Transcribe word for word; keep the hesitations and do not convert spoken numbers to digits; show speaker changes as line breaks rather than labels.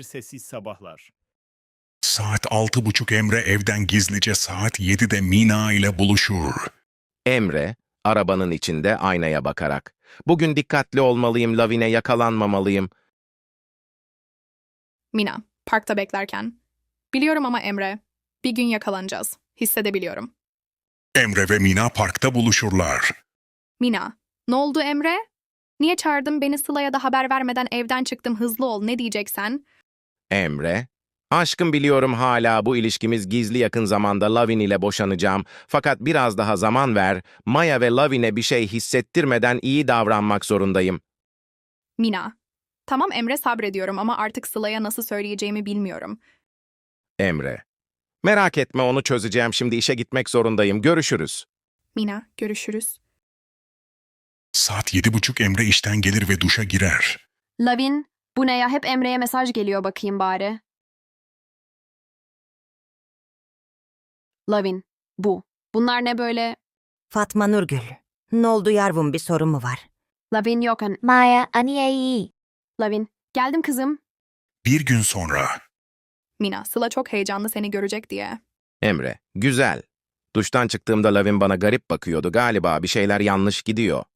sessiz sabahlar.
Saat altı buçuk Emre evden gizlice saat yedide Mina ile buluşur.
Emre, arabanın içinde aynaya bakarak. Bugün dikkatli olmalıyım, Lavine yakalanmamalıyım.
Mina, parkta beklerken. Biliyorum ama Emre, bir gün yakalanacağız. Hissedebiliyorum.
Emre ve Mina parkta buluşurlar.
Mina, ne oldu Emre? Niye çağırdın beni Sıla'ya da haber vermeden evden çıktım hızlı ol ne diyeceksen?
Emre, aşkım biliyorum hala bu ilişkimiz gizli yakın zamanda Lavine ile boşanacağım. Fakat biraz daha zaman ver, Maya ve Lavine bir şey hissettirmeden iyi davranmak zorundayım.
Mina, tamam Emre sabrediyorum ama artık Sıla'ya nasıl söyleyeceğimi bilmiyorum.
Emre, merak etme onu çözeceğim, şimdi işe gitmek zorundayım, görüşürüz.
Mina, görüşürüz.
Saat yedi buçuk Emre işten gelir ve duşa girer.
Lavin, bu ne ya? Hep Emre'ye mesaj geliyor bakayım bari. Lavin, bu. Bunlar ne böyle?
Fatma Nurgül, ne oldu yavrum, bir sorun mu var?
Lavin yok an.
Maya, aniyayı.
Lavin, geldim kızım.
Bir gün sonra
Mina, Sıla çok heyecanlı seni görecek diye.
Emre, güzel. Duştan çıktığımda Lavin bana garip bakıyordu, galiba bir şeyler yanlış gidiyor.